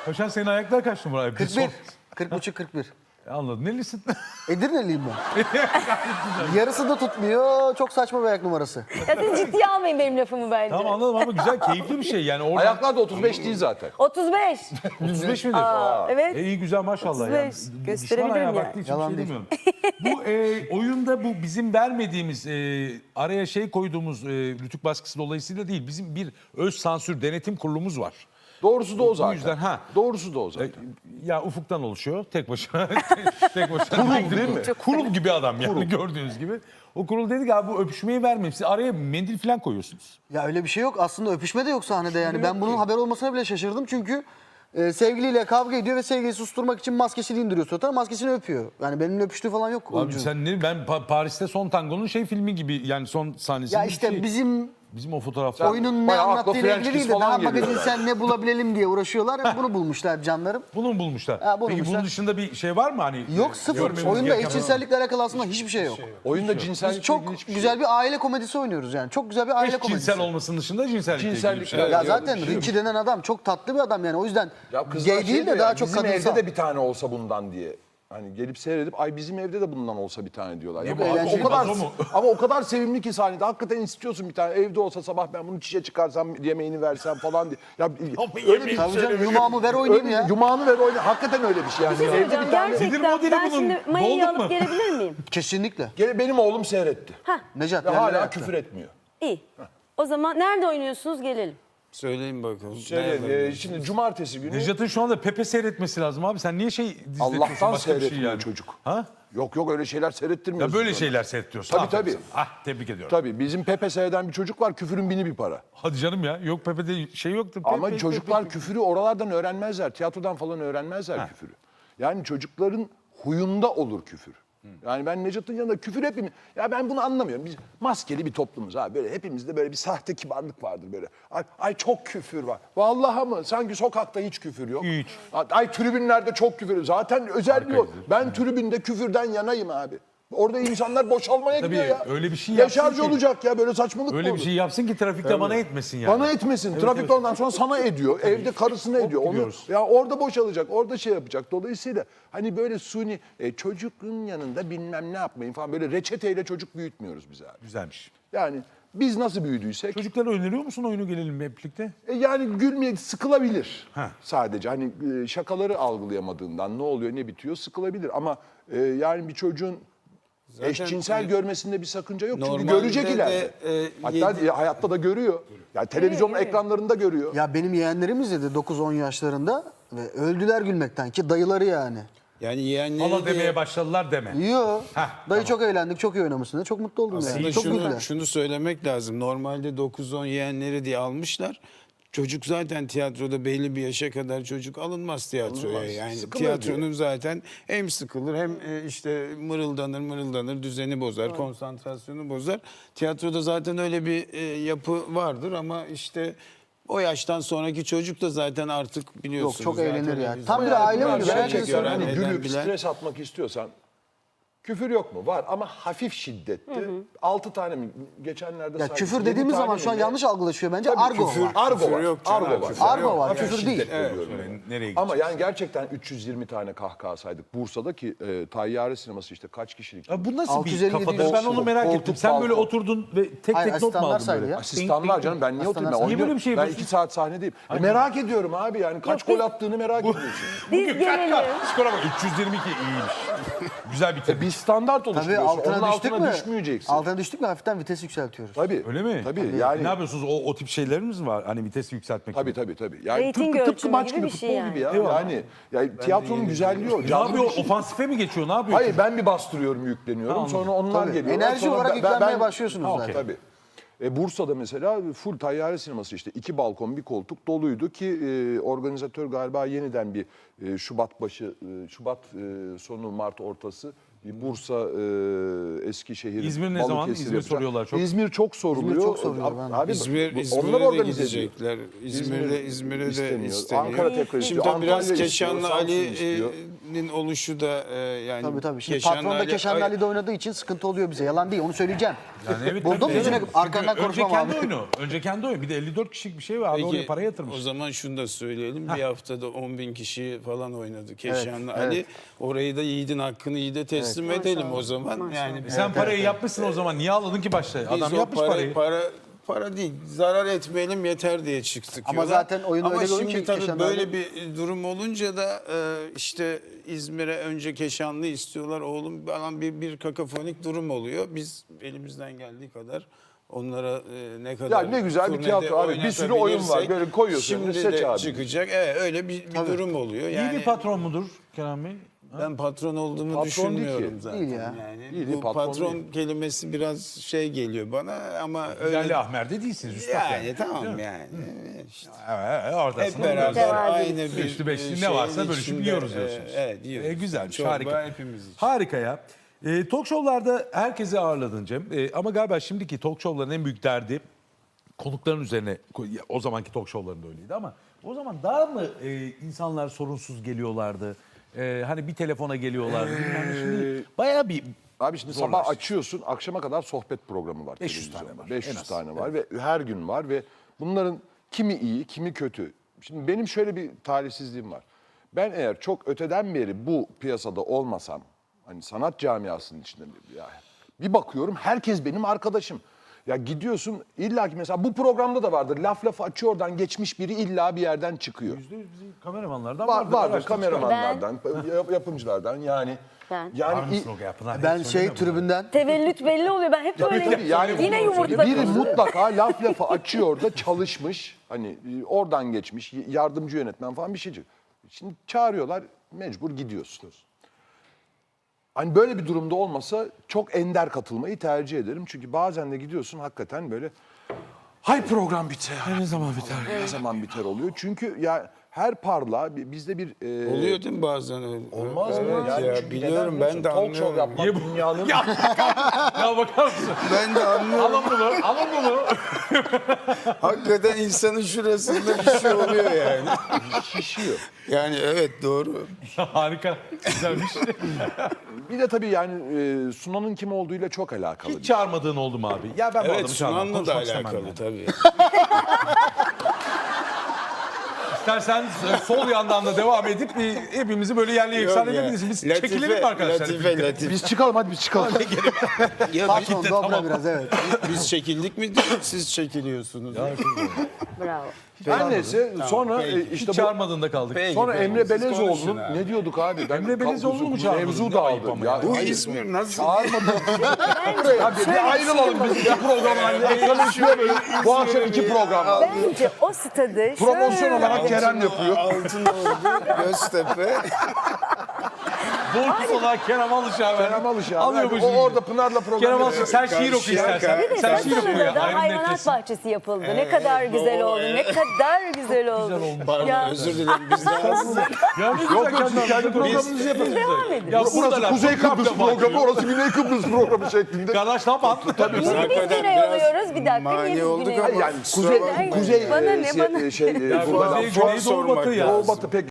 Paşam senin ayaklar kaç numara? 41. 40,5-41. Anladım. Nelisin? Edirne'liyim ben. Yarısı da tutmuyor. Çok saçma bir ayak numarası. Ya siz ciddiye almayın benim lafımı bence. Tamam anladım ama güzel, keyifli bir şey. Yani oradan... Ayaklar da 35 değil zaten. 35. 35 midir? Evet. İyi güzel maşallah. 35. Yani. Gösterebilirim Düşman ayağı yani. baktığı için Yalan bir şey değil. demiyorum. Bu oyunda bu bizim vermediğimiz araya şey koyduğumuz Rütük baskısı dolayısıyla değil. Bizim bir öz sansür denetim kurulumuz var. Doğrusu da o zaten. yüzden, ha. Doğrusu da o zaten. Ya ufuktan oluşuyor tek başına. Tek başına. Kurul değil mi? Kurul gibi adam yani gördüğünüz gibi. O kurul dedi ki abi bu öpüşmeyi vermeyin. Siz araya mendil falan koyuyorsunuz. Ya öyle bir şey yok. Aslında öpüşme de yok sahnede yani. Ben bunun haber olmasına bile şaşırdım. Çünkü sevgiliyle kavga ediyor ve sevgiliyi susturmak için maskesini indiriyor suratına. Maskesini öpüyor. Yani benimle öpüştüğü falan yok. Abi oyuncunun. sen ne? Ben Paris'te Son Tango'nun şey filmi gibi yani son sahnesi. Ya işte bizim o fotoğraflar. oyunun ne bayağı akla anlattığıyla French ilgili kiss değil de falan daha geliyor magazinsel ne bulabilelim diye uğraşıyorlar. Bunu bulmuşlar canlarım. Bunu mu bulmuşlar? Ha, bunu Peki bulmuşlar. bunun dışında bir şey var mı hani? Yok sıfır. görmemiz Oyunda gereken- eşcinsellikle alakalı aslında hiçbir şey yok. Oyunda Biz cinsellikle çok ilgili hiçbir şey güzel bir aile komedisi oynuyoruz yani. Çok güzel bir aile komedisi. Eşcinsel olmasının dışında cinsellikle ilgili bir Cinsellik- şey. Ya Ya öyle zaten bir şey yok. Richie denen adam çok tatlı bir adam yani. O yüzden Ya kızlar gay değil şey de diyor daha ya, çok bizim kadınsal. evde de bir tane olsa bundan diye. Hani gelip seyredip ay bizim evde de bundan olsa bir tane diyorlar. Ya bu o eğlenceli kadar o mu? ama o kadar sevimli ki sahnede hakikaten istiyorsun bir tane evde olsa sabah ben bunu çişe çıkarsam yemeğini versem falan diye. Ya öyle bir Tabii canım yumağımı ver oynayayım ya. Yumağını ver oyna. Hakikaten öyle bir şey yani. Bir şey Evde söyleyeceğim. bir tane Nedir Gerçekten modeli ben bunun? şimdi mayayı Dolduk mu? alıp gelebilir miyim? Kesinlikle. benim oğlum seyretti. Necat Ve yerlere hala yattı. küfür etmiyor. İyi. O zaman nerede oynuyorsunuz gelelim. Söyleyin bakalım. Şimdi cumartesi günü Necat'ın şu anda Pepe seyretmesi lazım abi. Sen niye şey izletiyorsun? Allah'tan başka bir şey seyretmiyor yani? çocuk. Ha? Yok öyle şeyler seyrettirmiyoruz. Ya böyle biz ona. şeyler seyrediyorsun. Tabii, Aferin tabii. sana. Ah tebrik ediyorum. Tabii bizim Pepe seyreden bir çocuk var küfürün bini bir para. Hadi canım ya. Yok Pepe'de şey yoktu. Ama Pepe, çocuklar Pepe. küfürü oralardan öğrenmezler. Tiyatrodan falan öğrenmezler küfürü. Yani çocukların huyunda olur küfür. Yani ben Necat'ın yanında küfür hepimiz... Ya ben bunu anlamıyorum. Biz maskeli bir toplumuz abi. Böyle hepimizde böyle bir sahte kibarlık vardır böyle. Ay çok küfür var. Vallahi mı? Sanki sokakta hiç küfür yok. Hiç. Ay tribünlerde çok küfür. Zaten özelliği o. Ben tribünde küfürden yanayım abi. Orada insanlar boşalmaya Tabii, gidiyor ya. öyle bir şey yapsın Deşarj ki- olacak ya böyle saçmalık mı Öyle bir olur? şey yapsın ki trafikte bana etmesin yani. Bana etmesin. Trafik evet. ondan sonra sana ediyor. Evde karısına ediyor. Onu, gidiyoruz. ya orada boşalacak, orada şey yapacak. Dolayısıyla hani böyle suni çocuğun yanında bilmem ne yapmayın falan böyle reçeteyle çocuk büyütmüyoruz biz abi. Güzelmiş. Yani biz nasıl büyüdüysek Çocuklara öneriyor musun oyunu gelelim hep birlikte? yani gülmeye sıkılabilir Heh. sadece. Hani şakaları algılayamadığından ne oluyor ne bitiyor sıkılabilir. Ama yani bir çocuğun eşcinsel görmesinde bir sakınca yok. Çünkü Normalde görecek de, ileride. Hatta hayatta da görüyor. Yani televizyonun ekranlarında görüyor. Ya benim yeğenlerim izledi 9-10 yaşlarında ve öldüler gülmekten ki dayıları yani. Yani yeğenleri Hala de demeye başladılar deme. Yo. Heh, Dayı çok eğlendik, çok iyi oynamışsın. Çok mutlu oldum yani. aslında Çok güldüler. şunu söylemek lazım. Normalde 9-10 yeğenleri diye almışlar. Çocuk zaten tiyatroda belli bir yaşa kadar çocuk alınmaz tiyatroya. Alınmaz. Yani Sıkılır tiyatronun diye. zaten hem sıkılır hem işte mırıldanır, düzeni bozar, konsantrasyonu bozar. Tiyatroda zaten öyle bir yapı vardır ama işte o yaştan sonraki çocuk da zaten artık biliyorsunuz. Yok, çok zaten eğlenir ya. biz- Tam bir bayağı aile oyunu. bir şey Gerçekten çekiyor. Hani Eden gülüp bilen- stres atmak istiyorsan küfür yok mu? Var ama hafif şiddetli. 6 tane mi? Geçenlerde Ya saydım. küfür 7 dediğimiz tane zaman mi şu an ne? yanlış algılaşıyor bence. Tabii, Argo küfür, var. Argo Küfür var. yok canım, Argo var. küfür Argo var. Hafif Küfür değil. şiddet diyorum. Nereye Ama gideceğiz? yani gerçekten 320 tane kahkaha saydık. Bursa'daki Tayyare sineması işte kaç kişilik? Ya bu nasıl 650 bir kafadır? değil. Ben onu merak Koltuk, ettim. Sen böyle balkon. oturdun ve tek Hayır, tek not mu asistanlar aldın saydı böyle? ya. Asistanlar canım ben niye oturayım? Ben Niye oynuyorum. böyle bir şey Ben yapıyorsun? 2 saat sahnedeyim. Merak ediyorum abi yani kaç gol attığını merak ediyorsun. Biz gelelim. Skora bak 322 iyiymiş. Güzel bitirmiş. Bir standart Tabii oluşturuyorsun. Onun altına düştük altına mü? düşmeyeceksin. Altına düştük mü hafiften vites yükseltiyoruz. Tabii. Öyle mi? Tabii. Yani Ne yapıyorsunuz? O tip şeylerimiz mi var? Hani vitesi yükseltmek Tabii için. tabii. Yani Reyting tıpkı ölçümü maç gibi gibi bir futbol şey gibi ya. Eyvallah. Yani tiyatronun güzelliği o. Ne Canlı yapıyor? bir şey. Ofansife mi geçiyor? Ne yapıyor? Hayır ben bir bastırıyorum yükleniyorum. Ha, Sonra onlar Tabii. geliyor. Enerji Sonra olarak yüklenmeye başlıyorsunuz Ha, zaten. Tabii. Bursa'da mesela full Tayyare sineması işte 2 balkon bir koltuk doluydu ki organizatör galiba yeniden bir Şubat başı Şubat sonu Mart ortası Bir Bursa, Eskişehir, İzmir ne zaman? Balıkesir İzmir yapacak. soruyorlar çok. İzmir çok soruluyor. İzmir çok soruluyor, ben de. Abi, İzmir'e onlar de organize ediyor. gidecekler. İzmir'e de isteniyor. Ankara tekrar Şimdi istiyor. tabii biraz Antalya istiyor, Keşanlı Samsun istiyor. Ali'nin oluşu da yani Tabii. Şimdi Keşanlı patron da Ali- Keşanlı Ali'de oynadığı için sıkıntı oluyor bize. Yalan değil, onu söyleyeceğim. Yani evet, Buldun tabii mu yüzüne? canım. Arkandan Çünkü konuşmam Önce kendi abi. oyunu. Önce kendi oyunu. Bir de 54 kişilik bir şey var. Abi Peki, oraya para yatırmış. o zaman şunu da söyleyelim. Bir haftada 10.000 kişi falan oynadı Keşanlı evet. Ali. Orayı da yiğidin hakkını yiğide teslim edelim o zaman. Yani Sen parayı yapmışsın o zaman. Niye ağladın ki başta? biz Adam o yapmış parayı. Para değil, zarar etmeyelim yeter diye çıktık. Ama yola. zaten oyun Ama öyle bir oyun şimdi ki tabii Keşanlı böyle Ali- bir durum olunca da işte İzmir'e önce Keşanlı istiyorlar oğlum falan bir kakafonik durum oluyor. Biz elimizden geldiği kadar onlara ne kadar Ya ne güzel bir turnede tiyatro abi. Bir sürü oyun var. oynatabilirsek, Böyle koyuyorsun, Şimdi seç de abi. çıkacak. Evet öyle bir durum oluyor. İyi Yani bir patron mudur Kenan Bey? ben patron olduğumu Patron değil düşünmüyorum ki. zaten. Değil ya. Yani Değil, bu patron patron değil. kelimesi biraz şey geliyor bana ama öyle Lale Ahmer'de değilsiniz üstad yani. yani tamam yani. İşte Evet, oradasın. hep beraber Mütevazi. aynı bir Üçlü beşli ne şeyin varsa bölüşüp içinde, yiyoruz diyorsunuz. Evet yiyoruz. Güzelmiş, Çorba harika. hepimiz için. Harika ya. Talk show'larda herkesi ağırladın Cem. Ama galiba şimdiki talk show'ların en büyük derdi konukların üzerine, o zamanki talk show'larında öyleydi ama o zaman daha mı insanlar sorunsuz geliyorlardı? Hani bir telefona geliyorlardı. Bilmem ne. Şimdi bayağı bir Abi şimdi zorlaştı. sabah açıyorsun, akşama kadar sohbet programı var. 500 tane televizyonda. var, 500 en az. tane var ve her gün var ve bunların kimi iyi, kimi kötü. Şimdi benim şöyle bir talihsizliğim var. Ben eğer çok öteden beri bu piyasada olmasam, hani sanat camiasının içinde bir bakıyorum herkes benim arkadaşım. Ya gidiyorsun illa ki mesela bu programda da vardır. Laf lafı açıyor oradan geçmiş biri illa bir yerden çıkıyor. %100 bizim kameramanlardan Vardır araştırdık. kameramanlardan, yapımcılardan yani. Ben. Var Yani mısın o Pınar? Ben Hiç şey söyleme bunu. tribünden Tevellüt belli oluyor. Ben hep böyle tabii, yani yine yumurtladım. biri mutlaka laf lafı açıyor da çalışmış. Hani oradan geçmiş, yardımcı yönetmen falan bir şeycik. Şimdi çağırıyorlar, mecbur gidiyorsun. Hani böyle bir durumda olmasa çok ender katılmayı tercih ederim. Çünkü bazen de gidiyorsun hakikaten böyle hay program biter. Ne zaman biter? Ne zaman biter oluyor. Çünkü ya her parla bizde bir Oluyor değil mi bazen öyle? olmaz mı? Evet Yani ya çünkü biliyorum neden ben de talk show anlıyorum. yapmak dünyanın Ya bakar mısın? Ben de anlıyorum. Alın bunu, alın bunu. Hakikaten insanın şurasında bir şey oluyor yani. şişiyor. Yani evet doğru. Harika, güzelmiş. Bir de tabii yani Sunan'ın kim olduğuyla çok alakalı. Hiç çağırmadığın oldu mu abi? Ya ben bu Evet adamı çağırmam, Sunan'la da konuşmak istemem alakalı yani. tabii. İstersen sol yandan da devam edip hepimizi böyle yerli yeksan Yok ya. edebiliriz. Biz çekilelim mi arkadaşlar? Latife. Biz çıkalım hadi biz çıkalım. Ya patron dobra biraz evet. biz çekildik mi siz çekiliyorsunuz. Bravo. Her neyse sonra peki. işte Hiç bu çağırmadığında kaldık. Peki, sonra peki. Emre Siz konuşun Belezoğlu'nun abi. ne diyorduk abi? Ben Emre Belezoğlu'nu mu çağırmadın? Mevzu Ne ayıp dağıldı. ama Ya, ya. Bu hayır, İzmir nasıl? çağırmadım. Abi bir ayrılalım biz iki program halinde. Ekranın üstüne böyle bu akşam iki program var. Bence o stadı Promosyon şöyle- olarak Kerem yapıyor. Altınordu, Göztepe. Borcus olarak Kerem Alışık abi. Kerem Alışık abi. Alıyor bu O şimdi. orada Pınar'la program Kerem yapıyor. Alışık sen şiir oku istersen. Bir de Sen şiir oku ya. Saçmalı'da da Ayrı hayvanat nefresin. bahçesi yapıldı. Ne kadar güzel oldu. Ne kadar güzel oldu. Pardon Ya. özür dilerim biz daha Ya ne Yok güzel yok siz kendi programınızı yapın. Devam edin. Ya Burası buradalar, Kuzey çok Kıbrıs kapta programı, bakıyor. orası Güney Kıbrıs programı şeklinde. Kardeş ne yapalım? Tabii. Niye biz hakikaten güney biraz oluyoruz? Bir dakika. mani Niye biz olduk güney ama- oluyoruz? Yani kuzey, Ay, kuzey bana ne, şey, bana- şey Ya burada Kuzey, Güney, Doğu, Batı ya. Doğu Batı pek